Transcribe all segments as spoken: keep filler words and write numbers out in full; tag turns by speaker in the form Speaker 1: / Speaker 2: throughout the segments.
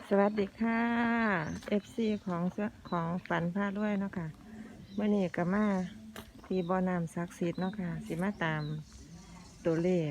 Speaker 1: สวัสดีค่ะ เอฟ ซี ของของฝันพาด้วยเนาะค่ะเมื่อนี้ก็มาที่บ่อน้ำศักดิ์สิทธิ์เนาะค่ะสิมาตามตัวเลข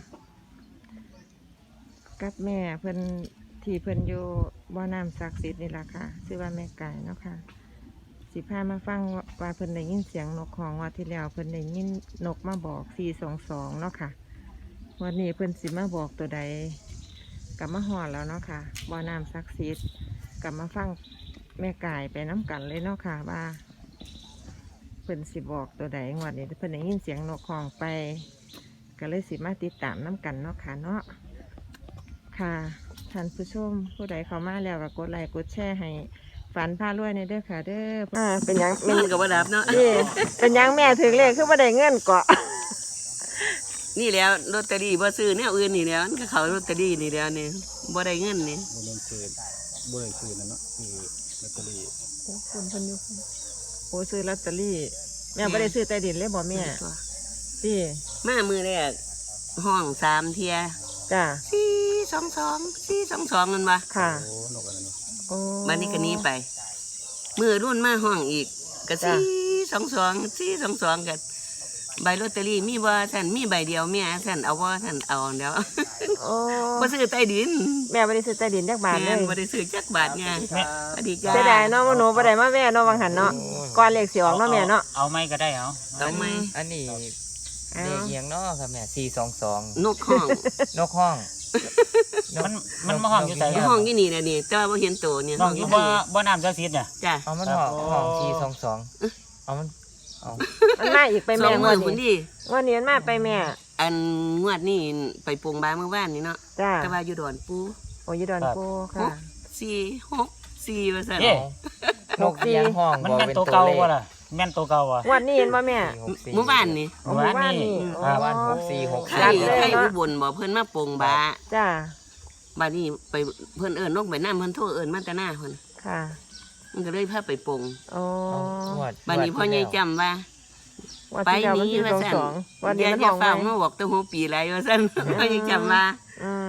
Speaker 1: กับแม่เพิ่นที่เพิ่นอยู่บ่อน้ำศักดิ์สิทธิ์นี่ล่ะค่ะชื่อว่าแม่ไก่เนาะค่ะสิพามาฟังว่าเพิ่นได้ยินเสียงนกของวันที่แล้วเพิ่นได้ยินนกมาบอกสี่สองสองเนาะค่ะวันนี้เพิ่นสิมาบอกตัวใดกลับมาหอดแล้วเนาะค่ะบ่อน้ำศักดิ์สิทธิ์กลับมาฟังแม่กายไปน้ำกันเลยเนาะค่ะว่าเพิ่นสิบอกตัวใดงวดนี้เพิ่นได้ยินเสียงนกของไปก็เลยสิมาติดตามน้ำกันเนาะค่ะเนาะค่ะท่านผู้ชมผู้ใดเข้ามาแล้วก็กดไลค์กดแชร์ให้ฝันพารวยในเด้อค่ะเด้ออ่าเป็นยัง
Speaker 2: เงินกับว่าดับเนาะ
Speaker 1: นี่เป็นยังแม่ถึงเลขคือบ่ได้เงินเกาะ
Speaker 2: นี่แล้วลอตเตอรี่บ่ซื้อเนี่ยอื่นนี่แล้วมันก็เขาลอตเตอรี่นี่แล้วนี่บ่ได้เงินนี่
Speaker 3: บริเวณซื้อบ่ได้ซื้อนั่นเนาะคือลอตเตอรี่
Speaker 1: โอ้คุณเพิ่นอยู่โอ้ซื้อลอตเตอรี่แม่บ่ได้ซื้อใต้ดินเลยบ่แม่พี่
Speaker 2: มามือแรกห้องสามเทีย
Speaker 1: จ้า
Speaker 2: สี่สองสองสี่สองสองเงินวะ
Speaker 1: ค่ะ
Speaker 3: โอ้นกอะไรเนาะ
Speaker 1: โอ้
Speaker 2: บัดนี้ก็หนี้ไปมือรุ่นมาห้องอีกก็สี่สองสองสี่สองสองกันใบลอตเตอรี่มีบ่ท่านมีใบเดียวแม่ท่านเอาบ่ท่านเอาเดี๋ยว
Speaker 1: โอ้
Speaker 2: บ่ซื้อใต้ดิน
Speaker 1: แม่บ่ได้ซื้อใต้ดินจักบาทเล
Speaker 2: แม่
Speaker 1: ย
Speaker 2: นบ่ได้ซื้อจักบาทไงสวัสดีจ้า
Speaker 1: เสียดายเนาะว่าหนูบ่ได้มาแม่เนาะวังหันเนาะก่อนเลขสิออกเนาะแม่เนาะ
Speaker 4: เอาไม่ก็ได้เอา
Speaker 2: เอาไหม
Speaker 5: อันนี้
Speaker 1: เอา
Speaker 5: เลขเอียงเนาะครับแม่สี่สองสอง
Speaker 2: นกห้อง
Speaker 5: นกห้อง
Speaker 4: มันมันมาห้องอยู่ใส่
Speaker 2: ห้องอยู่นี่แหละนี่แต่ว่าบ่เห็นตัวเนี่ย
Speaker 4: น้องอยู่บ่บ่น้ำศักดิ์สิทธิ์เนี่ย
Speaker 2: จ้ะ
Speaker 5: เอามันห้องห้องสี่สองสองเอามันเอา
Speaker 1: มันมาอีกไป
Speaker 2: สอ
Speaker 1: แม่
Speaker 2: ง
Speaker 1: ง
Speaker 2: มื้
Speaker 1: ว
Speaker 2: อ
Speaker 1: ด
Speaker 2: พุ่น
Speaker 1: นี้
Speaker 2: ดิ
Speaker 1: งวดนี้มันมาไปแม่
Speaker 2: อันงวดนี้ไปปรุงบาเมื่อวานนี่เนาะ
Speaker 1: จ้า
Speaker 2: แต่ว่าอยู่ดอนปู
Speaker 1: โอ้ยดอนโก
Speaker 2: ห
Speaker 1: ค่ะ
Speaker 2: กสี่หกสี่ว่าซั่น
Speaker 4: เอ๊ะ
Speaker 5: นกเอียงห้อง
Speaker 4: มัน
Speaker 5: บอก
Speaker 4: แม่น
Speaker 5: เป็น
Speaker 4: ตั
Speaker 5: ตัว ว
Speaker 4: เก่า
Speaker 5: เลข
Speaker 4: บ่ล่ะแม่นตัวเก่าบ่
Speaker 1: งวดนี้เห็นบ่แม่
Speaker 5: สี่หกสี่
Speaker 2: เมื่อวานนี่
Speaker 1: โอ้หมู่บ้านนี่
Speaker 4: ครับ
Speaker 5: เมื่อวานหกสี่หก
Speaker 2: ใคร
Speaker 1: จัดเลย
Speaker 2: ใคร
Speaker 1: เนาะ
Speaker 2: อุบลบ่เพิ่นมาปรุงบา
Speaker 1: จ้า
Speaker 2: บาดนี้ไปเพิ่นเอิ้นนกไปน้ำเพิ่นโทรเอิ้นมาแต่หน้าเพิ่น
Speaker 1: ค่ะ
Speaker 2: มันก็เลยพาไปปรุง
Speaker 1: โอ้
Speaker 5: งวด
Speaker 2: บาดนี้พ่อใหญ่จำว่า
Speaker 1: วัน
Speaker 2: ไป
Speaker 1: ที่แล้ววัน
Speaker 2: นี้
Speaker 1: ที่
Speaker 2: ว่า
Speaker 1: สอง
Speaker 2: ซั่น
Speaker 1: สองวัน
Speaker 2: อ
Speaker 1: นี้
Speaker 2: ย่า
Speaker 1: มัน
Speaker 2: อย่า
Speaker 1: ห้อง
Speaker 2: ฟัง
Speaker 1: ไว้
Speaker 2: มาบอกแต่หัวปีไรว่าซั่นพ่อใหญ่จำว่า
Speaker 1: อืม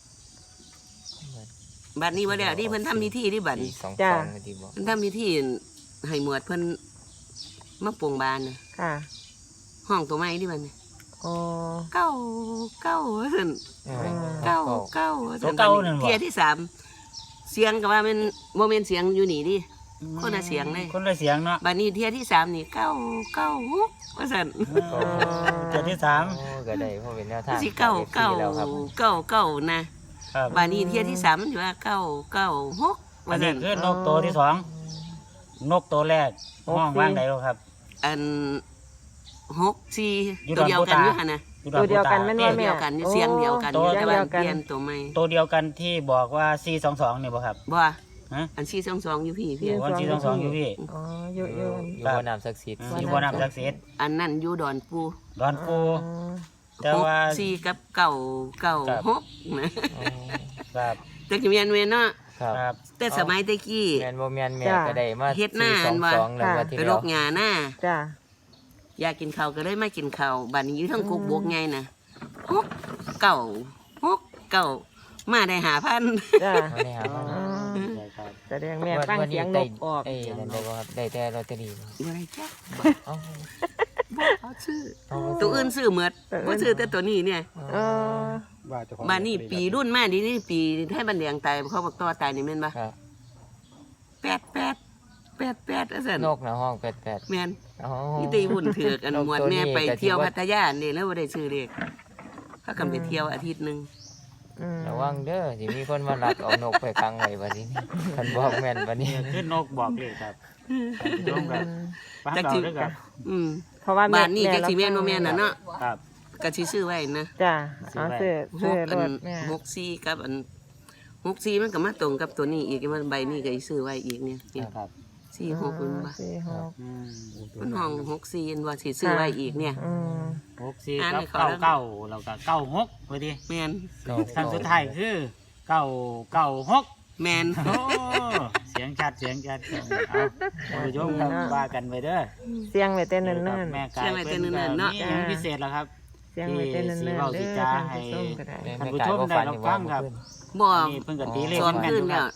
Speaker 2: บัดนี้บ่แล้วนี่เพิ่นทำพิธีที่บัด
Speaker 5: สี่
Speaker 2: นี้
Speaker 5: สอง
Speaker 1: จ้ะ
Speaker 5: สองที่บอก
Speaker 2: เพิ่นทำพิธีให้หมวดเพิ่นมาปรุงบานน่ะ
Speaker 1: ค่ะ
Speaker 2: ห้องตัวใหม่ที่บัดนี้
Speaker 1: โอ้
Speaker 2: เก้าเก้าว่าซั่น
Speaker 5: เออ
Speaker 2: เก้า
Speaker 5: เก้า
Speaker 2: เก้า
Speaker 4: ตัวเก่านั่นบ่
Speaker 2: เทียที่สามเสียงก็ว่าเป็นโมเมนเสียงอยู่นี่ดิ คนละเสียงเลย
Speaker 4: คนละเสียงเนาะ
Speaker 2: บัดนี้เทียที่สามนี่เก้าเก้าหกว่าสัน
Speaker 4: เจ็ดที่สาม
Speaker 5: โอ้ก็ได้เพราะเป็นแนวทาง
Speaker 2: สิเก้าเก้า
Speaker 5: แล้วครับ
Speaker 2: เก้าเก้านะครับ บัดนี้เทียที่สามมันอยู่ว่าเก้าเก้าหก
Speaker 4: อั
Speaker 2: ว่าน สั
Speaker 4: นี้
Speaker 2: น
Speaker 4: คือนกตัวที่สองนกตัวแรกห้องว่างใดแล้วครับ
Speaker 2: อันหกสี่
Speaker 4: อยู่
Speaker 2: ตัวเดียวกัน
Speaker 4: ดอน
Speaker 2: อ
Speaker 4: ปู
Speaker 2: ยู่
Speaker 4: ตา
Speaker 2: หั่นนะ
Speaker 4: อยู่
Speaker 1: ตัวเดียวกันแม่น
Speaker 2: เดี
Speaker 1: ว่า
Speaker 2: ยว
Speaker 1: แม่
Speaker 2: เดียวกันอยู่เสียงเดียวกันอยู่
Speaker 1: โอ้
Speaker 2: แต่ว่า
Speaker 1: เดียวกัน
Speaker 2: เปลี่ยนตัวใหม่
Speaker 4: ตัวเดียวกันที่บอกว่าสี่สองสองนี่บ่ครับ
Speaker 2: บ่
Speaker 4: ฮะ
Speaker 2: อันสี่สองสองอยู่พี่พี่
Speaker 4: วันสี่สองสองอยู่พี่
Speaker 1: อ๋ออยู่
Speaker 5: อ
Speaker 1: อยู่ ยู่
Speaker 5: อยู่บ่อน้ำศักดิ์สิทธิ์
Speaker 4: อยู่บ่น้ำศักดิ์สิทธิ์
Speaker 2: อันนั้นอยู่ดอนปู
Speaker 4: ดอนปู
Speaker 1: อ๋อ
Speaker 4: แต่
Speaker 2: หก
Speaker 4: ว่า
Speaker 2: สี่กับเก้าเก้า
Speaker 4: ครับ
Speaker 2: หกนะ
Speaker 5: อ๋อ
Speaker 4: ครับ
Speaker 2: แต่กิเมียนเวนเนาะ
Speaker 5: ครับ
Speaker 4: ครับ
Speaker 2: แต่สมัยตะกี้
Speaker 5: แมนบ่แมนแม่ก็ได้มา
Speaker 2: เฮ็ดหน้า
Speaker 5: สี่สองสองแล้ว
Speaker 1: ค่ะ
Speaker 5: วันที่
Speaker 2: ไปร
Speaker 5: แล้ว
Speaker 2: กงาหน้า
Speaker 1: จ้า
Speaker 2: อยากกินข้าวก็เลยไม่กินข้าวบัดนี้อยู่ทั้งกุกบวกไงนะฮกเก่าฮกเก่ามาได้หาพัน
Speaker 1: จ้า
Speaker 5: มาได้หามา
Speaker 1: อ๋อ
Speaker 4: ใช่ครับ
Speaker 1: แสดงแม่ฟังเสียงนกออก
Speaker 5: เอ้ยนั่นได้บ่ครับได้แต่ลอตเตอรี่บ่
Speaker 2: อยู่ไรจ้ะ
Speaker 5: เอ้า
Speaker 2: บ่เขาซื้อ
Speaker 5: เอาบ่
Speaker 2: ตัวอื่นซื้อหมดบ่ซื้อแต่ตัวนี้เนี่ย
Speaker 1: เออ
Speaker 3: ว่าเจ้าของ
Speaker 2: บัดนี้ปีรุ่นมาดีนี่ปีให้บันเลียงตายเขาบอกต่อตายนี่แม่นบ่
Speaker 5: ครับ
Speaker 2: แปดแปดแปดแปดว่าซั่น
Speaker 5: นกนะห้องแปดแปด
Speaker 2: แม่น
Speaker 5: อ๋อ
Speaker 2: นี่ตีหุ่นเถือกอัน
Speaker 5: นก
Speaker 2: หมวด
Speaker 5: ตัวนี้
Speaker 2: แม่ไป
Speaker 5: ก็สิ
Speaker 2: เที่ยว
Speaker 5: ว่า
Speaker 2: พัทยานี่แล้วบ่ได้ซื้อเลขเขากันไปเที่ยวอาทิตย์หนึง
Speaker 1: อืม
Speaker 5: ระวังเด้อสิมีคนมาลักเอานกไปขังไว้บัดนี้คันบอกแม่นบัดนี้
Speaker 4: นี่คือนกบอกเลยครับลงแบบฟัง
Speaker 2: จัก
Speaker 4: เรา
Speaker 2: สิ
Speaker 4: ด้วยครับ
Speaker 2: อืม
Speaker 1: เพราะว่า
Speaker 2: บ้านนี้
Speaker 1: แ
Speaker 2: จักสิแม่นบ่แม่นน่ะเนาะ
Speaker 4: ครับ
Speaker 2: ก็สิซื้อไว้นะ
Speaker 1: จ้าเอาซื้อ
Speaker 2: ห
Speaker 1: ซื้อก ร
Speaker 2: อัน
Speaker 1: ถแม่
Speaker 2: หกสี่กับอันหกสี่มันก็มาตรงกับตัวนี้อีกมันใบนี้ก็สิซื้อไว้อีกเนี่ยเนี่ย
Speaker 4: ครับ
Speaker 2: สี่หกมันว่า
Speaker 1: สี่หก
Speaker 4: อืม
Speaker 2: มันห้องหกสี่อันว่าสิซื้อไว้อีกเนี่ย
Speaker 1: อืม
Speaker 4: หกสี่
Speaker 2: อ่าน
Speaker 4: กับ
Speaker 2: ให้เขา
Speaker 4: เก้า
Speaker 2: แล้ว
Speaker 4: เก้าแล้วก็เก้าหกไปดิ
Speaker 2: แม่น
Speaker 5: เก้า
Speaker 4: คำสุดท้ายคือเก้าเก้าหก
Speaker 2: แม่น
Speaker 4: โอ้เสียงชัดเสียงชัดเอาท่านผู้ชมครับว่ากันไปเด้อ
Speaker 1: เสียงไว้เต้นเนิ่น
Speaker 4: แม่กายเป็นนี่ยังพิเศษแล้วครับ
Speaker 1: ๆเสียงไว้เต้นเนิ่นๆ
Speaker 4: ที่
Speaker 1: เด้
Speaker 4: เว้า
Speaker 1: อ
Speaker 4: สิจ้า
Speaker 1: ท่าน
Speaker 4: ให้
Speaker 1: ผู้ชมก็ได้
Speaker 5: แม่
Speaker 4: ท่าน
Speaker 5: แม่
Speaker 4: ผู้
Speaker 5: กาย
Speaker 4: ชม
Speaker 5: บ่
Speaker 4: ได้
Speaker 5: ฝัน
Speaker 4: รับ
Speaker 5: นี่
Speaker 4: ฟั
Speaker 5: ว่าง
Speaker 4: ครับ
Speaker 5: เมื่อคืน
Speaker 2: บ่
Speaker 4: นี่เพิ่นก็ตีเลข
Speaker 2: สอน
Speaker 4: แม่น
Speaker 2: ขึ้น
Speaker 4: ๆค
Speaker 2: แล้
Speaker 4: รั
Speaker 2: ว
Speaker 4: บ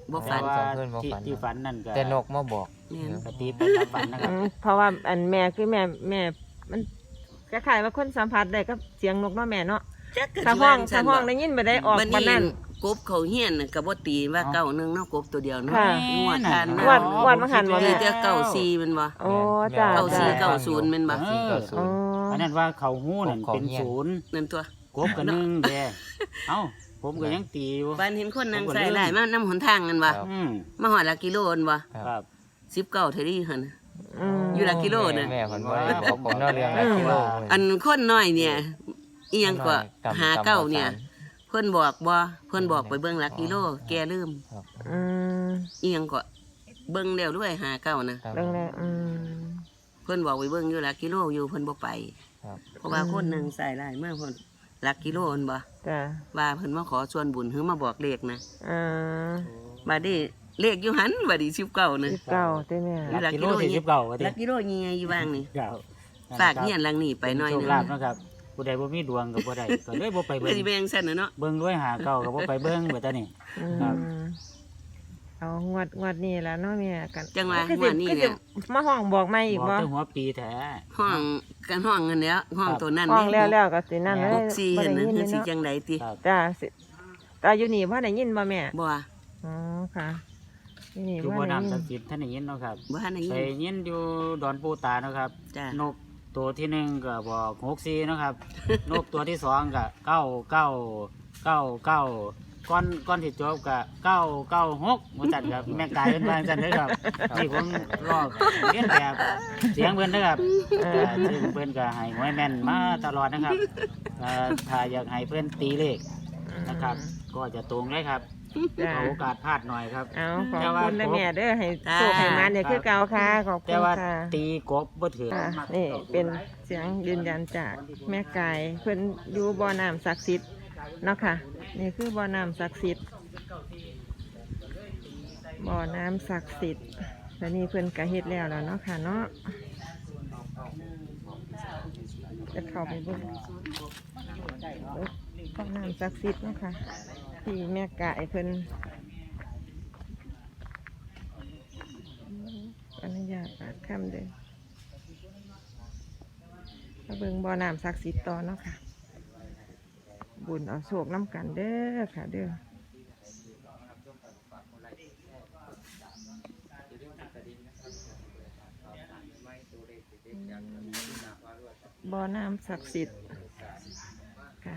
Speaker 2: บ่
Speaker 4: แต่
Speaker 2: ฝัน
Speaker 4: ว่า
Speaker 5: สองคืนบ่
Speaker 4: ที่
Speaker 5: ฝัน
Speaker 4: ที่ฝันนั่นก็
Speaker 5: แต่นกมาบอก
Speaker 2: แม่น
Speaker 4: กตีไปตามฝันนะครับ
Speaker 1: อืมเพราะว่าอันแม่คือแม่แม่มันคล้ายๆว่าคนสัมผัสได้กับเสียงนกเนาะแม่เนาะ
Speaker 2: จักก็
Speaker 1: ถ้า
Speaker 2: สิ
Speaker 1: ห้อ
Speaker 2: ว่าง
Speaker 1: ถ้าห้องได้ยินไปได้ออก
Speaker 2: บัด
Speaker 1: ปานนั้น
Speaker 2: กบเขาเฮียนน่ะก็บ่ตีว่า
Speaker 4: เอ้า
Speaker 2: เก้าหนึงเนาะกบตัวเดียวเนาะ
Speaker 1: ค่ะ
Speaker 2: งวดทัน
Speaker 1: ง
Speaker 2: นะ
Speaker 1: วดงวดมาหันบ่แม่
Speaker 2: มีแต่เก้าสี่แมันบ่
Speaker 1: โอ้จ้า
Speaker 2: เก้าสี่
Speaker 1: จ้า
Speaker 2: เก้าศูนย์แม่นบ่
Speaker 5: เก้าสี่เก้าศู
Speaker 1: อ๋อน
Speaker 5: ย์
Speaker 4: อันนั้นว่าเขาหูนั่น
Speaker 5: เขา
Speaker 4: เป็น
Speaker 5: เหี้ยน
Speaker 4: ศูนย์
Speaker 2: นั่นตัว
Speaker 4: กบกับหนึ่งแย่เอ้าผมก็ยังตีอยู่
Speaker 2: บ้านเห็นคนนั่ง
Speaker 4: ผมก็
Speaker 2: ใส่
Speaker 4: ลืม
Speaker 2: ได้มานํหนทางกันบ่
Speaker 5: ครับ
Speaker 4: อืม
Speaker 2: มาฮอดหลักกิโลนบ่
Speaker 4: ครับ
Speaker 2: สิบเก้าเท่านี้หั่น
Speaker 1: อืม
Speaker 2: อยู่หลักกิโลน่ะ
Speaker 5: แม่เพิ่นบ่ได้บอกผมเนาะเรื่องหลักกิโล
Speaker 2: อันคนน้อยเนี่ยอีหยังก็
Speaker 5: กำ
Speaker 2: หาเก้า
Speaker 5: ำ
Speaker 2: เนี่ย
Speaker 5: สร
Speaker 2: เพิ่นบอกบ่เพิ่นบอกไปเบิ่งหลักกิโล แกลืม
Speaker 1: อืม
Speaker 2: อีหยังก็เบิ่งแล้วด้วยหาเก้านะ
Speaker 5: ครับ
Speaker 1: เรื่องนี้อืม
Speaker 2: เพิ่นบอกไปเบิ่งอยู่หลักกิโลอยู่เพิ่นบ่ไป
Speaker 5: ครับ
Speaker 2: เพราะว่าคนหนึงใส่หลายมากเพิ่นหลักกิโลเพิ่นบ่
Speaker 1: จ้า
Speaker 2: ว่าเพิ่นมาขอส่วนบุญหรือมาบอกเลขนะ
Speaker 1: อ่า
Speaker 2: บัดนี้เลขอยู่หันบัดนี้สิบเก้านะ
Speaker 1: สิบเก้าเต้แม่
Speaker 2: หลัก
Speaker 4: กิ
Speaker 2: กิ
Speaker 4: โล
Speaker 2: โล
Speaker 4: ที่สิบเก้าว่า
Speaker 2: ห
Speaker 4: ติ
Speaker 2: ลักกิโลยังไงอยู่บ้างนี่
Speaker 4: เก้า
Speaker 2: ฝากเฮียนหลังนี้ไปหน่อยหนึ
Speaker 4: โช
Speaker 2: ง
Speaker 4: คลาภเนาะครับผู้ใดบ่มีดวงก็บ่ได้ก็เลยบ่ไป
Speaker 2: เพื่
Speaker 4: เบิ่
Speaker 2: อง สิไปจังซั่นน่ะเนาะ
Speaker 4: เบิ่งด้วยหาเก้าก็บ่ไปเบิ่งเบิดตานี่
Speaker 1: อื
Speaker 4: ครับ
Speaker 1: มเอางวดงวดนี้แล้วเนาะแม่กัน
Speaker 2: จังหวะ
Speaker 1: คือ
Speaker 2: ง
Speaker 1: สิ
Speaker 2: วดนี้
Speaker 1: คือ
Speaker 2: เนี่
Speaker 1: สิ
Speaker 2: ย
Speaker 1: มาห้องบอกไม่อีก
Speaker 4: บอก
Speaker 1: บ่
Speaker 4: แต่หัวปีแท้
Speaker 2: ห้องกันห้องเงินแล้วห้องตัวนั้น
Speaker 1: ห้อง
Speaker 2: นี่
Speaker 1: แล้วแล้วก็สินั่นเลย
Speaker 2: หกสี่
Speaker 1: บ่
Speaker 2: เห็น
Speaker 1: ได้
Speaker 2: นะ
Speaker 1: ยิน
Speaker 2: คือสิ
Speaker 1: เนาะ
Speaker 2: จังไดติ
Speaker 4: ครับ
Speaker 1: จ้าสิตาอยู่นี่บ่ได้ยินบ่แม่
Speaker 2: บ่ว่า
Speaker 1: อ๋อค่ะอยู่นี่
Speaker 4: อยู่
Speaker 1: บ่
Speaker 4: บ่
Speaker 1: ได้
Speaker 4: น้ำ
Speaker 1: ยิน
Speaker 4: ศักดิ์สิทธิ์ท่านได้ยินเนาะครับ
Speaker 2: บ่ทันได้
Speaker 4: ไป
Speaker 2: ยิน
Speaker 4: ยินอยู่ดอนปูตาเนาะครับ
Speaker 2: จ้ะ
Speaker 4: นกตัวที่หนึ่งก็บอกหกสี่เนาะครับ นกตัวที่สองก็เก้าเก้าเก้าเก้าก้อนก้อนที่จบก็เก้าเก้าหกมันจัดครับแม่กายเป็นบางจันเลยครับที่ผมรอบเลียนแบบเสียงเพิ่นนะครับ
Speaker 1: เอ
Speaker 4: เอ่
Speaker 1: อ
Speaker 4: อซึ่งเพิ่นก็ให้หวยแม่นมาตลอดนะครับเอ่อถ้าอยากให้เพิ่นตีเลขนะครับ ก็จะตรงเลยครับ
Speaker 1: จ้า
Speaker 4: ขอโอกาสพลาดหน่อยครับ
Speaker 1: เอาขอบ
Speaker 4: แต่ว่า
Speaker 1: คุณนะแม่เด้อให้
Speaker 2: จ้า
Speaker 1: โชคให้มันเนี่ยคือเก่าค่ะขอบคุ
Speaker 4: แต่
Speaker 1: ณ
Speaker 4: ว่า
Speaker 1: ค่ะ
Speaker 4: ตีกบบ่ถือ
Speaker 1: ค่ะนี่เป็นเสียงยืนยันจากแม่กายเพิ่นอยู่บ่อน้ำศักดิ์สิทธิ์เนาะค่ะ นี่คือบ่อน้ำศักดิ์สิทธิ์บ่อน้ำศักดิ์สิทธิ์และนี่เพิ่นกะเฮ็ดแล้วแล้วเนาะค่ะเนาะจะเข้าไปเบิ่งบ่อน้ำศักดิ์สิทธิ์เนาะค่ะที่แม่กายเพิ่นอนุญาตปากคำเด้อ มาเบิ่งบ่อน้ำศักดิ์สิทธิ์ต่อเนาะค่ะ บุญเอาโชคน้ำกันเด้อค่ะเด้อบ่อน้ำศักดิ์สิทธิ์ค่ะ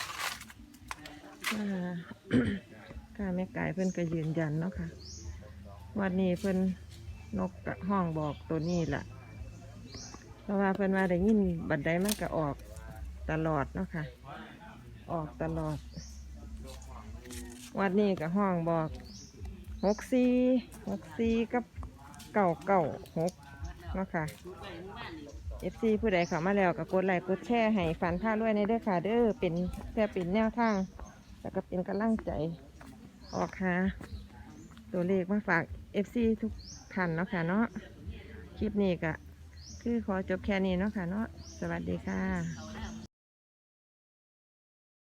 Speaker 1: อ่า ค่ะแม่กายเพิ่นก็ยืนยันเนาะค่ะวันนี้เพิ่นนกกะห้องบอกตัวนี้ล่ะ เพราะว่าเพิ่นว่าได้ยินบัดใดมันก็ออกตลอดเนาะค่ะ ออกตลอด วัดนี้ก็ห้องบอกหกสี่หกสี่กับเก้าเก้าหกเนาะค่ะ เอฟซีผู้ใดเข้ามาแล้วก็กดไลค์กดแชร์ให้ฝันผ้าด้วยในเด้อค่ะ เด้อเป็นแค่เป็นแนวทางแล้วก็เป็นกำลังใจออกค่ะ ตัวเลขมาฝากเอฟซีทุกท่านเนาะค่ะเนาะคลิปนี้ก็คือขอจบแค่นี้เนาะค่ะเนาะสวัสดีค่ะ